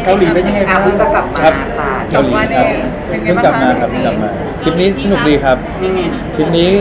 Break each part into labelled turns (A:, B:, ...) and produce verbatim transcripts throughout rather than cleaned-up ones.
A: กาหลีเป็นยังไงบ้างเพิ่งกลับมาค่ะ
B: เกาหลีครับเพิ่งกลับมาครับเพิ่งกลับมาทริปนี้สนุกดีครับทริปนี้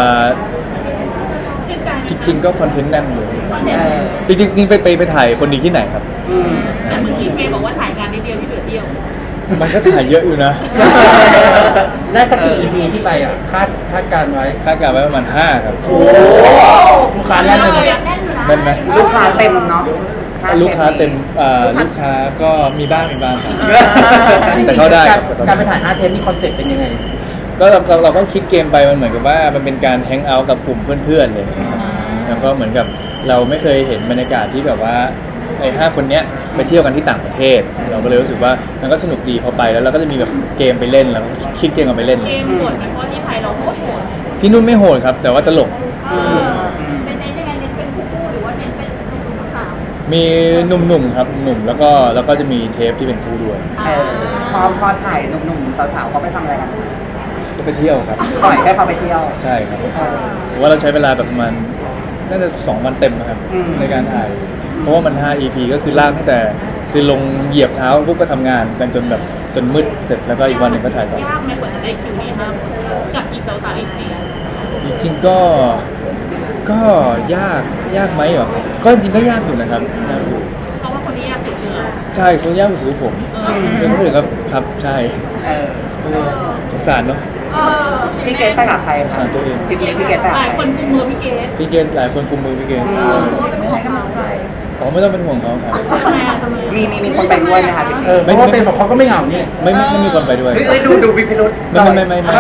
B: จริงๆก็คอนเทนต์แน่นเลยจริงๆนี่ไปไปไปถ่ายคนดีที่ไหนครับ
C: แต่เมื่อกี้เมย์บอกว่าถ่ายงานนิดเดียวที่เหลือเที่ยว
B: มันก็ถ่ายเยอะอยู่นะ
A: ได้สักกี่ อี พี ที่ไปอ่ะคาดคาดการไว้
B: คาดการไว้ประมาณห้าครับ
A: โอ้ลูกค้าแน่นเลย
B: แน่นไหม
A: ลูกค้าเต็มเนาะ
B: ลูกค้าเต็มลูกค้าก็มีบ้างมีบ้างครับแต่เข้าได้
A: การไปถ่ายห้าเทปนี่คอนเซ็ปต์เป็นยังไง
B: ก็เราเราก็คิดเกมไปมันเหมือนกับว่ามันเป็นการแฮงเอาท์กับกลุ่มเพื่อนๆเลยแล้วก็เหมือนกับเราไม่เคยเห็นบรรยากาศที่แบบว่าไอ้ห้าคนเนี้ยไปเที่ยวกันที่ต่างประเทศเราก็เลยรู้สึกว่ามันก็สนุกดีพอไปแล้วเราก็จะมีแบบเกมไปเล่นแล้วคิดเกมกันไปเล่น
C: เกมโหดไหมเพราะที่ไทยเราโหดโหด
B: ที่นู่นไม่โหดครับแต่ว่าตลก
C: เป็นเน้นยังไงเน้นเป็นคู่หรือว่าเน้นเป็นหนุ่มสาว
B: มีหนุ่มๆครับหนุ่มแล้วก็แล้วก็จะมีเทปที่เป็นคู่ด้วย
A: พอพอถ่ายหนุ่มๆสาวๆเขาไปทำอะไรกัน
B: ก็ไปเที่ยวครับ
A: ปล่อยให้เขาไปเที่ยว
B: ใช่ครับว่าเราใช้เวลาแบบประมาณน่าจะสองวันเต็มนะครับในการถ่ายเพราะว่ามันห้า อี พี ก็คือลากตั้งแต่คือลงเหยียบเท้าปุ๊บก็ทำงานกันจนแบบจนมืดเสร็จแล้วก็อีกวันหนึ่งก็ถ่ายต่อย
C: ากไหมกว่าจะได้คิวนี้มากกับอีกสาวๆอีกสี่
B: จริงๆก็ก็ยากยากไหมเหรอก็จริงก็ยากอยู่นะครับยากอยู่
C: เพราะว่าคนที่ยากสุดคือ
B: ใช่คนยากสุดคือผมเป็นคนอื่นครับครับใช่สงสารเนาะ
A: พี่เกดไปกับใคร
B: สงสารตัวเอง
A: พี่เกดพี่เกดไป
C: หลายคนกุมมือพี่เกด
B: พี่เกดหลายคนกุมมือพี่เกด
C: เพราะว่าเป็นของกำลังใจ
B: อ๋อไม่ต้องเป็นห่วงเขาครับ
A: มีมีมีคนไปด้วยไหมคะเออเพราะว่าเป็นแบบเขาก็ไม่เหงาเนี่ย
B: ไม่ไม่ไม่มีคนไปด้วย
A: เฮ้ยดูดูวิพิรุธ
B: ไม่ไม่ไม่ไม่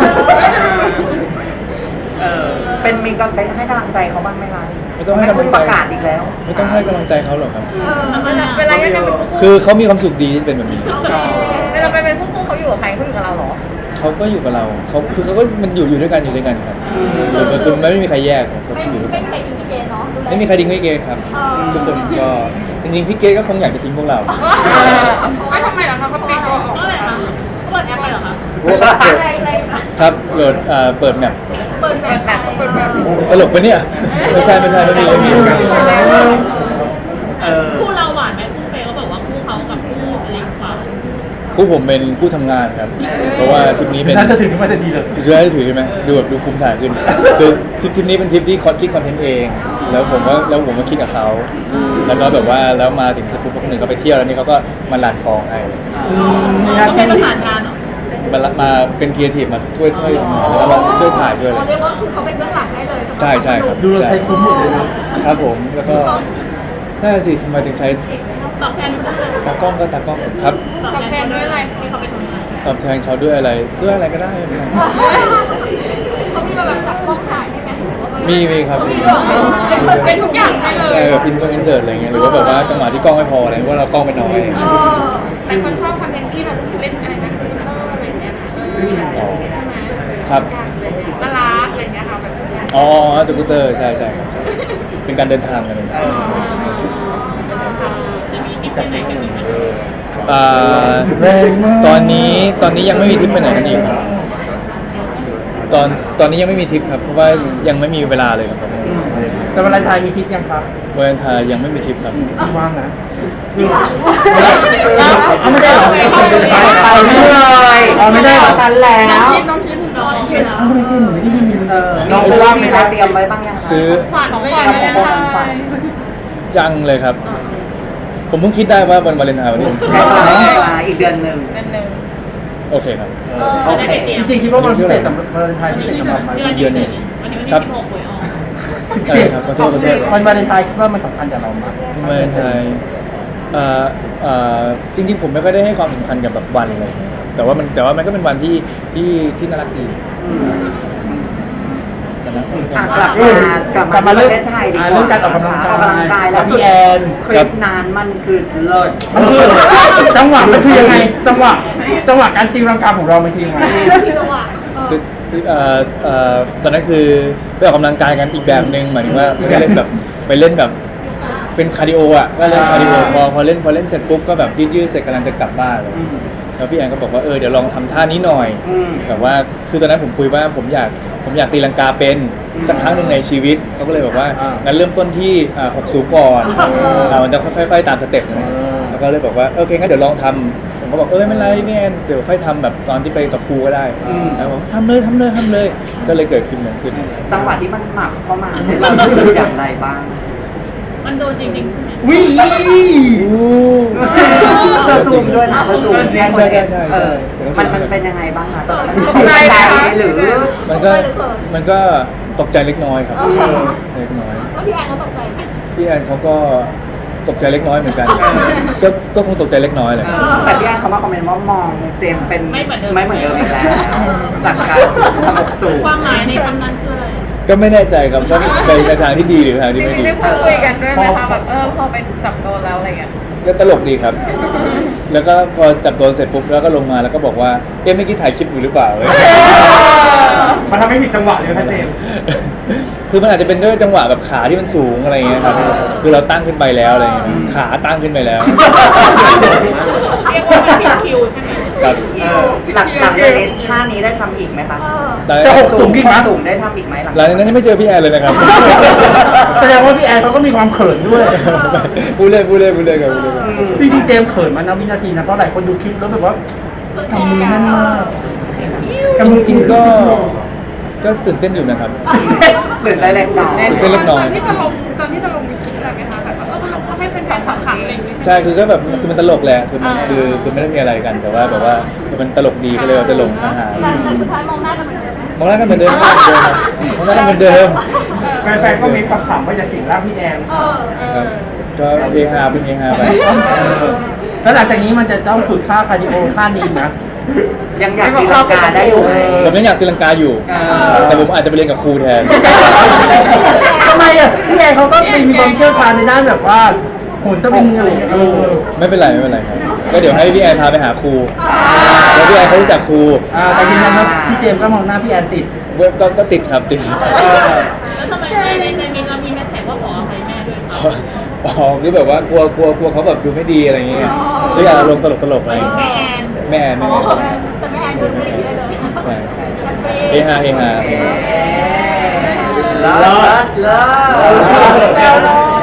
A: เออเป็นมีกำลังใจให้กำลังใจเขาบ้างไหมคะ
B: ไม่ต้องให้กำลังใจ
A: ประกาศอีกแล้ว
B: ไม่ต้องให้กำลังใจเขาหรอกครับ
C: เวลายังเป็น
B: คือเขามีความสุขดีที่เป็นแบบนี้
C: เวลาไปเป็นผู้คู่เขาอยู่กับใครเขาอยู่กับเราหรอ
B: เขาก็อยู่กับเราเขาคือเขาก็มันอยู่อยู่ด้วยกันอยู่ด้วยกันครับมันคือไม่มีใครแยกเขาอยู่ด้วยกัน
C: ไม่มีใครทิ้งพี่เกดเนาะ
B: ไม่มีใครทิ้งพี่เกดครับทุกคนก็จริงๆพี่เกดก็คงอยากจะทิ้งพวกเรา
C: ไม่ทำไมล่ะคะเขาปิดตัวออกเลยค่ะเขาเปิดแอปไปเหรอคะ
B: ครับโหลดเปิดแมป
C: เปิดแมปแบบเปิดแมป
B: ตลกปะเนี่ยไม่ใช่ไม่ใช่ไม่มีไม่มี
C: คู่เราหวานไหมคู่เฟย์เขาบอกว่าคู่เขากับคู่เล็กกว่า
B: คู่ผมเป็นคู่ทำงานครับเพราะว่าทริปนี้เป็น
A: น่าจะถึงมาจะดีเลย
B: คือได้ถือใช่ไหมดูแบบดูภูมิฐานขึ้นคือทริปนี้เป็นทริปที่คอนคิดคอนเทนต์เองแล้วผมก็แล้วผมก็คิดกับเขาแล้วก็แบบว่าแล้วมาถึงสปุ๊บคนหนึ่งเขาไปเที่ยวแล้วนี่เขาก็มาลันกองให้
C: เขาเป็นประสานงานเหรอ
B: มามาเป็นครีเอทีฟมาช่วยช่วยแล้วก็ช่วยถ่ายด้วยเลย
C: เรียกว่าคือเขาเป็นเบื้องหลังให้เลย
B: ใช่ใช่ครับ
A: ดูเราใช้คุ้มหมดเลยนะครับ
B: ผมแล้วก็น่าสิทำไมถึงใช้
C: ตอบแทน
B: ตากล้องก็ตากล้องครับ
C: ตอบแทนด้วยอะไรให้เขาไปทำงาน
B: ตอบแทนเขาด้วยอะไรด้วยอะไรก็ได้
C: เขามีแบบจับกล้องถ่ายได้ไหม
B: มีมีครับ
C: เป็นทุกอย่างใช่เลย
B: ใช่แบบอินโซอินเสิร์ตอะไรเงี้ยหรือว่าแบบว่าจังหวะที่กล้องไม่พออะไรว่าเรากล้องไปน้อย
C: แต่คนชอบคอนเทนต์ที่แบบเล่นอะไรนะซื้ออะไรเงี้ย
B: ครับ
C: น่ารักอะไรเงี้ยค่ะแบบ
B: อ๋อสกูตเตอร์ใช่ใช่เป็นการเดินทางกันเลย
C: จะมีทิปไปไหนกันอีกไหม
B: ตอนนี้ตอนนี้ยังไม่มีทริปไปไหนกันอีกครับตอนตอนนี้ยังไม่มีทริปครับเพราะว่ายังไม่มีเวลาเลยครับ
A: แต่วันไทยมีทริปยังครับ
B: วันไทยยังไม่มีทริปครับ
A: ว่างนะไม่ได้หรอไปเลยไม่ได้หรอกันแล้ว
C: น้องคิดน้องคิดน้อง
A: ไม่ได้หนูไม่ได้ยินน้องว่างไหมคะเตรียมไว้บ้างยัง
B: ซื้อ
C: ขวัญของขวัญ
B: ยังเลยครับผมเพิ่งคิดได้ว่าวันวาเลนไทน์วันนี้
A: อีกเดือนหนึ่ง
B: โอเคครับ
A: โอเคจริงๆคิดว่าวันพิเศษสำหรับวาเลนไทน์พิเศษสำหรับ
C: เดือนนี้วันนี้วันที่สิบหกหวยออก
B: ใช่ครับขอโทษขอโทษ
A: วันวาเลนไทน์คิดว่ามันสำคัญกับเราไหม
B: วาเลนไทน์เอ่อเอ่อจริงๆผมไม่ค่อยได้ให้ความสำคัญกับแบบวันเลยแต่ว่ามันแต่ว่ามันก็เป็นวันที่ที่ที่น่ารักดี
A: กลับมากลับมาเรื่องไทยดีกว่าเรื่องการออกกำลังกายออกกำลังกายแล้วพี่แอนคลิปนานมันคือเลิศมันคือจังหวะมันคือยังไงจังหวะจังหวะการตีรังกาของเรามันคือยังไง
B: คือเอ่อเอ่อตอนนั้นคือไปออกกำลังกายกันอีกแบบนึงหมายถึงว่าไม่ได้เล่นแบบไปเล่นแบบเป็นคาร์ดิโออ่ะก็เล่นคาร์ดิโอพอพอเล่นพอเล่นเสร็จปุ๊บก็แบบยืดๆเสร็จกำลังจะกลับบ้านเลยแล้วพี่แอนก็บอกว่าเออเดี๋ยวลองทำท่านี้หน่อยแบบว่าคือตอนนั้นผมคุยว่าผมอยากผมอยากตีลังกาเป็นสักครั้งหนึ่งในชีวิตเขาก็เลยบอกว่างั้นเริ่มต้นที่หกสูงก่อนมันจะค่อยๆตามสเต็ปนะแล้วก็เลยบอกว่าโอเคงั้นเดี๋ยวลองทำผมก็บอกเออไม่เป็นไรพี่แอนเดี๋ยวค่อยทำแบบตอนที่ไปกับครูก็ได้แล้วบอกทำเลยทำเลยทำเลยก็เลยเกิดขึ้นเหมือนขึ้น
D: จังหวะที่มันหมักเข้ามาเนี่ยเรารู้สึกอย่างไรบ้าง
C: มันโดนจริงๆใช่ไหม
A: วิ
D: เธอซูมด้วยนะเธอซูม
B: ใช่ใช่ใช่ใช่
D: เออ
B: ใช่
D: มันมันเป็นยังไงบ้างคะตอนนั้น
C: ตกใจไหมคะ
D: หรือ
B: มันก็มันก็ตกใจเล็กน้อยครับเล็กน้อย
C: แล้วพี่แอนเขาตกใจไหม
B: พี่แอนเขาก็ตกใจเล็กน้อยเหมือนกัน ก็ก็คงตกใจเล็กน้อยแหละ
D: แต่พี่แอนเขามาคอมเมนต์ว่ามองเจมส์เป็น
C: ไม่เหมือนเดิม
D: ไม่เหมือนเดิมอีกแล้วจากการทำอกสูง
C: ความหมายในคำนั้นคืออะไร
B: ก็ไม่แน่ใจครับว่าไปในทางที่ดีหรือทางที่ไม่ดี
E: ได้พูดคุยกันด้วยไหมคะแบบเออพอไปจับโดนแล้วอะไรเงี้ย
B: ก็ตลกดีครับ แล้วก็พอจับโดนเสร็จปุ๊บแล้วก็ลงมาแล้วก็บอกว่าเอ๊ะเมื่อกี้ถ่ายคลิปอยู่หรือเปล่าเว้ย
A: มันทำให้ผิดจังหวะเลยนะเจมส์
B: คือมันอาจจะเป็นด้วยจังหวะแบบขาที่มันสูงอะไรเงี้ยครับ คือเราตั้งขึ้นไปแล้วอะไรเงี้ยขาตั้งขึ้นไปแล้ว
C: เรียกว่ามันผิดคิวใช่ไหม
B: ครับ
D: เออหลังหลังจากนี้ท่านี้ได้ทำอีกไหมคะ
C: เออ
B: หลัง
A: จะหกสูงอีกไหม
D: สูงได้ทำอีกไหมหลัง
B: หลังจากนั้นยังไม่เจอพี่แอนเลยนะครับ
A: แสดงว่าพี่แอนเขาก็มีความเขินด้วย
B: พูดเล่นพูดเล่นพูดเล่นครับพูดเล่นครับ
A: จริงๆเจมส์เขินมานะวินาทีนะเพราะหลายคนดูคลิปแล้วแบบว่าทำมือแน่นมาก
B: จริงๆก็ ก็ตื่นเต้นอยู่นะครับ
D: หรือได้เล็กน้อย
B: ตื่นเต้นเล็กน้อย
E: ตอนที่จะลงตอนที่จะลงมีคิดอะไรไหมคะแบบว่าเออมันทำให้เป็นแฟนขำๆอะไรอย่างงี้ใช่ไหม
B: ใช่คือก็แบบคือมันตลกแหละคือมันคือคือไม่ได้มีอะไรกันแต่ว่าแบบว่ามันตลกดีก็เลยเราจะลงอาหาร
C: แต่แต่สุดท้ายมองหน้ากันเหมือนเดิมไหม
B: มองหน้ากันเหมือนเดิมมองหน้ากันเหมือนเดิม
A: แฟนๆก็มีความขำว่าจะสิงร่างพี่แอน
C: เออ
B: ครับก็เฮฮาเป็นเฮฮาไป
A: แล้วหลังจากนี้มันจะต้องฝึกท่าคาร์ดิโอท่านี้นะ
D: ยังอยากตีลังกาได้อยู่ไหม
B: ผมยังอยากตีลังกาอยู่ แต่ผมอาจจะไปเรียนกับครูแทน
A: ทำไมอ่ะพี่แอนเขาก็มีความเชี่ยวชาญในด้านแบบว่าโหนสวิงอะไรอย่างเงี้ยเออ
B: ไม่เป็นไรไม่เป็นไรครับก็เดี๋ยวให้พี่แอนพาไปหาครูแล้วพี่แอนเขารู้จักครู
A: อ่าแต่ยืนยันว่าพี่เจมส์ก็มองหน้าพี่แอนติด
B: เว็บก็ก็ติดครับติด
C: แล้วทำไมในในในมินเรามีแฮชแท็กว่าขออภัยแม่ด้วยคะ
B: อ๋อคือแบบว่ากลัวกลัวกลัวเขาแบบดูไม่ดีอะไรอย่างเงี้ยก็อยากลงตลกตลกๆอะไรอย่าง
C: แม่
B: เงี้ย
C: แอน
B: แม่แอน
C: อ๋
B: แม่
C: อ
B: แอน
C: แต่แม่แอนดูไม่ได้คิดอะไรเลย
B: ใช่เฮฮาเฮฮา
D: เลิศเลิศเลิศ